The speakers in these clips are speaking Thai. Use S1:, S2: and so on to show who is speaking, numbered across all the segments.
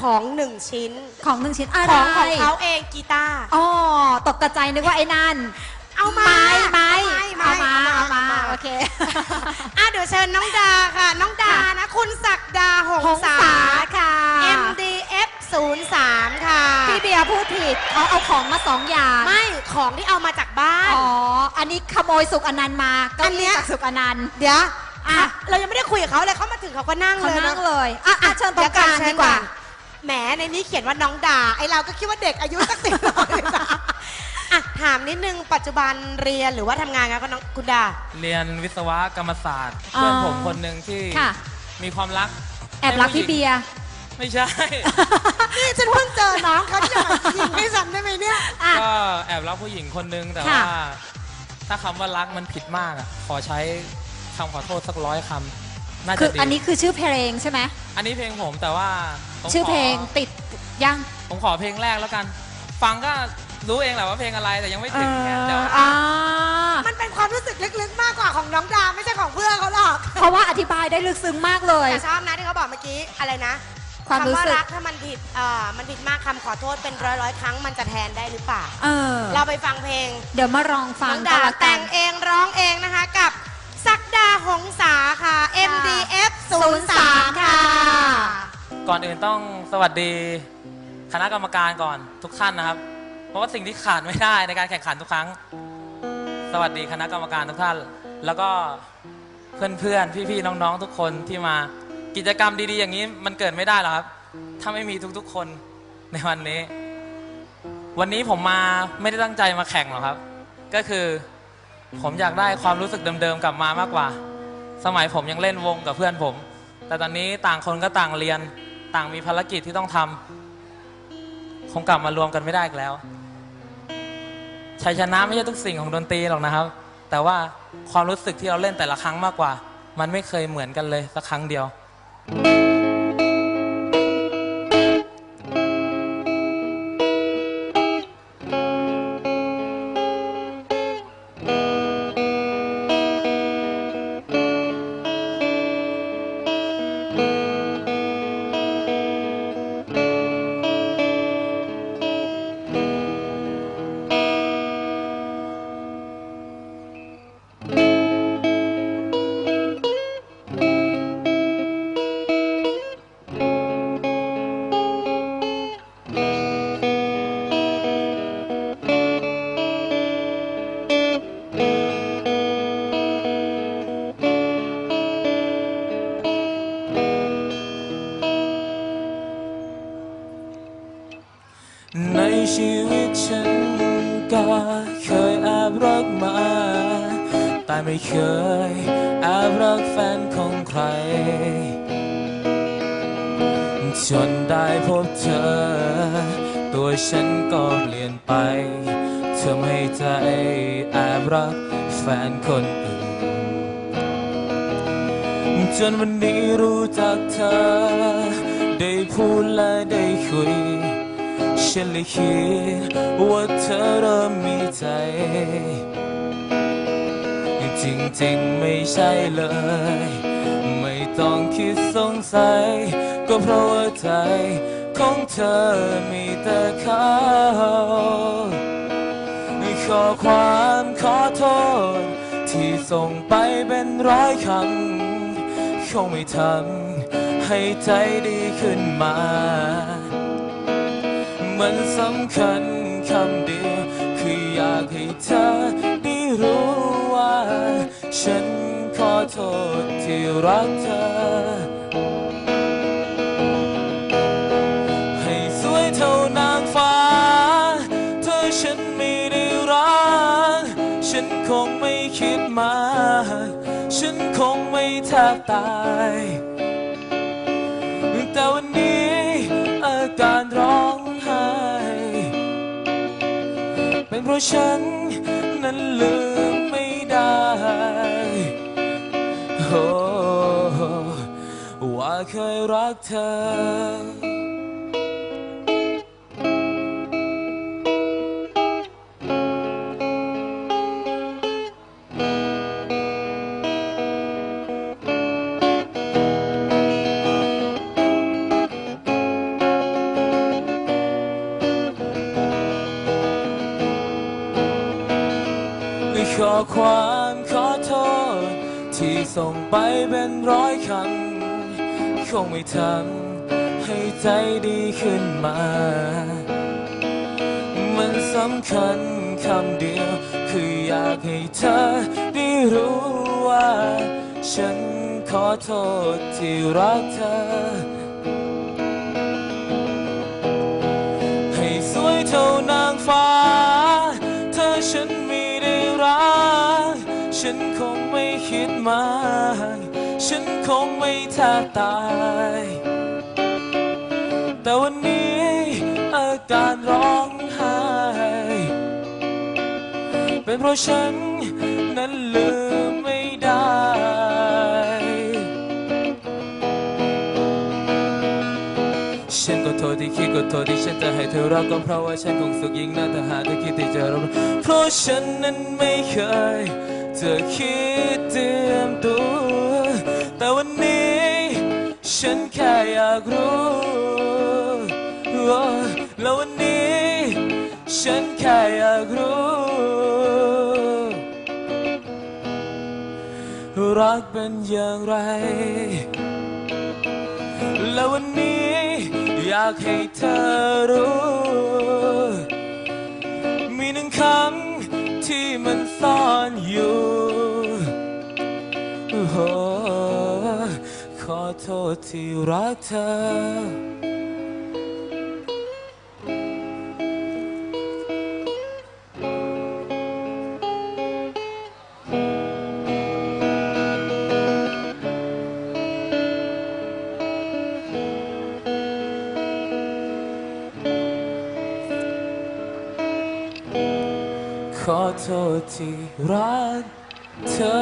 S1: ของ1 ชิ้น
S2: ของ1 ชิ้นอะไร
S1: ของเขาเองกีตาร์
S2: อ๋อตกกระใจนึกว่าไอ้นั่น
S1: เอามา
S2: โอเค
S1: เดี๋ยวเชิญน้องดาค่ะน้องดานะคุณศักดาหงษา
S2: ค่ะ
S1: MDF 03ค่ะ
S2: พี่เบียร์พูดผิดเอาของมา2 อย่าง
S1: ไม่ของที่เอามาจากบ้าน
S2: อันนี้ขโมยสุกอนันต์มาก็นี่จากสุกอนันต์
S1: เดี๋ยวเรายังไม่ได้คุยกับเขาเลยเขามาถึงเขาก็นั่ง
S2: เลยเชิญตรงกลางดีกว่า
S1: แหมในนี้เขียนว่าน้องดาไอเราก็คิดว่าเด็กอายุสัก10ถามนิดนึงปัจจุบันเรียนหรือว่าทำงานกันน้องคุณดา
S3: เรียนวิศวกรรมศาสตร์เพื่อนผมคนหนึ่งที่มีความรัก
S2: แอบรักพี่เบียร์
S3: ไม่ใช่
S1: นี่ฉันเพิ่งเจอน้องเขาจะยิงให้ฉันได้ไหมเนี่ย
S3: ก็แอบรักผู้หญิงคนนึงแต่ว่าถ้าคำว่ารักมันผิดมากขอใช้คำขอโทษสัก100 คำน่าจะดี
S2: อันนี้คือชื่อเพลงใช่ไหม
S3: อันนี้เพลงผมแต่ว่า
S2: ชื่อเพลงติดยัง
S3: ผมขอเพลงแรกแล้วกันฟังก็รู้เองแหละว่าเพลงอะไรแต่ยังไม่ถึงแค่เดี๋ยว
S1: มันเป็นความรู้สึกลึกๆมากกว่าของน้องดาไม่ใช่ของเพื่อนเขาหรอก
S2: เพราะว่าอธิบายได้ลึกซึ้งมากเลย
S1: แต่ชอบนะที่เขาบอกเมื่อกี้อะไรนะ
S2: ความรู้สึก
S1: รักถ้ามันผิดมากคำขอโทษเป็นร้อยครั้งมันจะแทนได้หรือเปล่าเราไปฟังเพลง
S2: เดี๋ยวมาลองฟัง
S1: น้องดาแต่งเองร้องเองนะคะกับศักดาหงษาค่ะ MDF 03ค่ะ
S3: ก่อนอื่นต้องสวัสดีคณะกรรมการก่อนทุกท่านนะครับเพราะว่าสิ่งที่ขาดไม่ได้ในการแข่งขันทุกครั้งสวัสดีคณะกรรมการทุกท่านแล้วก็เพื่อนๆพี่ๆน้องๆทุกคนที่มากิจกรรมดีๆอย่างนี้มันเกิดไม่ได้หรอกครับถ้าไม่มีทุกๆคนในวันนี้ผมมาไม่ได้ตั้งใจมาแข่งหรอกครับก็คือผมอยากได้ความรู้สึกเดิมๆกลับมามากกว่าสมัยผมยังเล่นวงกับเพื่อนผมแต่ตอนนี้ต่างคนก็ต่างเรียนต่างมีภารกิจที่ต้องทำคงกลับมารวมกันไม่ได้อีกแล้วชัยชนะไม่ใช่ทุกสิ่งของดนตรีหรอกนะครับแต่ว่าความรู้สึกที่เราเล่นแต่ละครั้งมากกว่ามันไม่เคยเหมือนกันเลยสักครั้งเดียวในชีวิตฉันก็เคยแอบรักมาแต่ไม่เคยแอบรักแฟนของใครจนได้พบเธอตัวฉันก็เปลี่ยนไปเธอไม่ใจแอบรักแฟนคนอื่นจนวันนี้รู้จักเธอได้พูดและได้คุยฉันเลยคิดว่าเธอเริ่มมีใจจริงๆไม่ใช่เลยไม่ต้องคิดสงสัยก็เพราะว่าใจของเธอมีแต่เขาขอความขอโทษที่ส่งไปเป็น100 คำคงไม่ทำให้ใจดีขึ้นมามันสำคัญคำเดียวคืออยากให้เธอได้รู้ว่าฉันขอโทษที่รักเธอให้สวยเท่านางฟ้าเธอฉันไม่ได้รักฉันคงไม่คิดมากฉันคงไม่แทบตายแต่วันนี้อาการร้องเป็นเพราะฉันนั้นลืมไม่ได้ว่าเคยรักเธออความขอโทษที่ส่งไปเป็นร้อยคำคงไม่ทำให้ใจดีขึ้นมามันสำคัญคำเดียวคืออยากให้เธอได้รู้ว่าฉันขอโทษที่รักเธอให้สวยเท่านางฟ้าถ้าฉันไม่ได้รักฉันคงไม่คิดมากฉันคงไม่แทบตายแต่วันนี้อาการร้องไห้เป็นเพราะฉันนั้นลืมไม่ได้ฉันก็โทษที่คิดก็โทษที่ฉันจะให้เธอรักก็เพราะว่าฉันคงสุขยิ่งน่าถ้าหากเธอคิดที่จะรับเพราะฉันนั้นไม่เคยจะคิดเตรียมตัวแต่วันนี้ฉันแค่อยากรู้แล้ววันนี้ฉันแค่อยากรู้รักเป็นอย่างไรแล้ววันนี้อยากให้เธอรู้มีหนึ่งคำที่มันซ่อนอยู่ขอโทษที่รักเธอขอโทษที่รักเธอ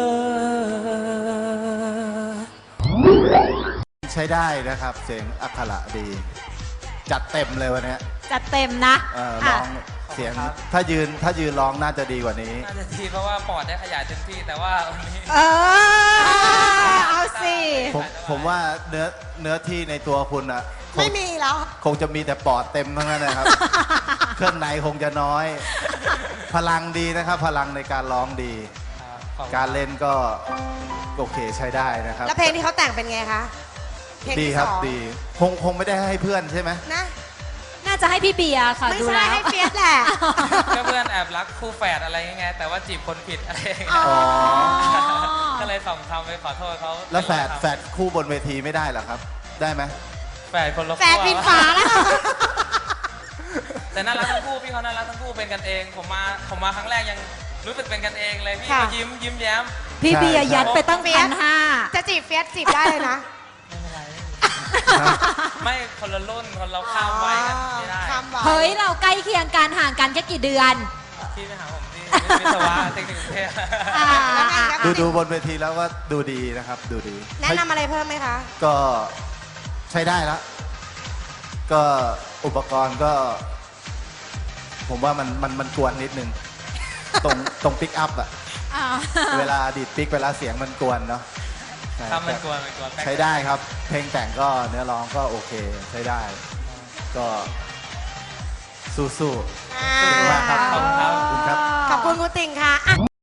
S4: ใช้ได้นะครับเสียงอักขระดี จัดเต็มเลยวันนี้
S2: จัดเต็มนะ
S4: ร้องเสียงถ้ายืนร้องน่าจะดีกว่านี้
S3: น่าจะดีเพราะว่าปอดได้ขยายเต็มที่แต่ว่าวันนี้
S2: เอาสิ
S4: ผมว่าเนื้อที่ในตัวคุณอ่ะ
S1: ไม่มีแล้ว
S4: คงจะมีแต่ปอดเต็มทั้งนั้นนะครับ เครื่องในคงจะน้อย พลังดีนะครับ พลังในการร้องดี การเล่นก็โอเคใช้ได้นะครับ
S1: แล้วเพลงที่เขาแต่งเป็นไงคะเพลง
S4: ดี
S1: ที่
S4: ครับ
S1: สอง
S4: ดีคงไม่ได้ให้เพื่อนใช่ไหม
S1: นะ
S2: น่าจะให้พี่เบียร์ค่ะ
S1: ไม่
S2: ดู
S1: ใช่
S2: แล้ว
S1: ให้เฟียสแหละ
S3: ก็เพื่อนแอบรักคู่แฝดอะไรเงี้ยแต่ว่าจีบคนผิดอะไรเงี้ย
S1: อ๋อ
S3: ก็เลยส่งคำไปขอโทษเขา
S4: แล้วแฝดคู่บนเวทีไม่ได้เหรอครับ ได้ไหม
S3: แฝดคนละ
S1: แฟนปิดฝาแล้ว
S3: แต่น่ารักทั้งคู่พี่เขาน่ารักทั้งคู่เป็นกันเองผมมาครั้งแรกยังรู้สึกเป็นกันเองเลยพี่
S1: ค่ะ
S3: ก็ยิ้มแย้ม
S2: พี่เบียร์ยัดไปตั้ง
S1: เฟียส
S2: 1,500
S1: จะจีบเฟียสจีบได้เลยนะ
S3: ไม่คนละรุ่นคนเราข้ามไว้กันไม่ได้
S1: ข้ามวัย
S2: เฮ้ย เราใกล้เคียงกันห่างกันแค่กี่เดือน
S3: พี่ไปหาผมที่วิศวะเทคนิคกรุงเทพ
S1: แล้วไงครับ
S4: ดูบนเวทีแล้วก็ดูดีนะครับ ดูดี
S1: แนะนำอะไรเพิ่มไหมคะ
S4: ก็ใช้ได้แล้ว ก็อุปกรณ์ก็ ผมว่ามันกวนนิดนึง ตรงปิกอัพอะเวลาดีดปิกเวลาเสียงมันกวนเนาะใช่
S3: ทำมันกลัว
S4: ใช้ได้ครับ เพลงแต่งก็เนื้อร้องก็โอเค ใช้ได้ ก็สู้ๆขอบคุณมากครับ
S3: ขอบคุณครับ
S4: ขอบคุณครับ
S1: ขอบคุณคุณติ่งค่ะอ่ะ